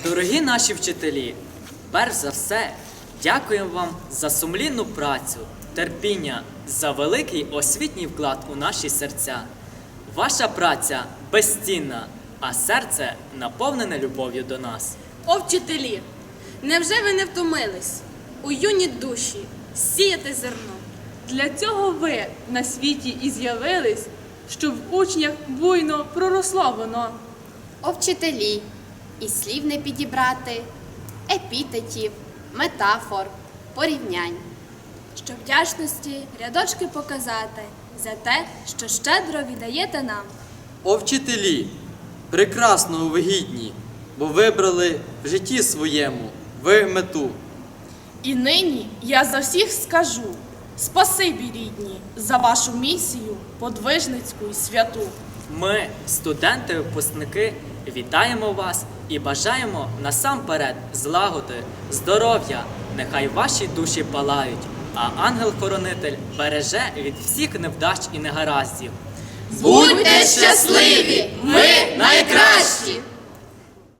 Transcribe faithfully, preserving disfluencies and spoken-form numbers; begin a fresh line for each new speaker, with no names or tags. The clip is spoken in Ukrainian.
Дорогі наші вчителі, перш за все, дякуємо вам за сумлінну працю, терпіння, за великий освітній вклад у наші серця. Ваша праця безцінна, а серце наповнене любов'ю до нас.
О, вчителі! Невже ви не втомились у юні душі сіяти зерно?
Для цього ви на світі і з'явились, щоб в учнях буйно проросло воно.
О, вчителі, і слів не підібрати, епітетів, метафор, порівнянь.
Щоб вдячності рядочки показати за те, що щедро віддаєте нам.
О, вчителі, прекрасного ви гідні, бо вибрали в житті своєму ви мету.
І нині я за всіх скажу: спасибі, рідні, за вашу місію подвижницьку і святу.
Ми, студенти-випускники, вітаємо вас і бажаємо насамперед злагоди, здоров'я, нехай ваші душі палають, а ангел-хоронитель береже від всіх невдач і негараздів.
Будьте щасливі! Ми найкращі!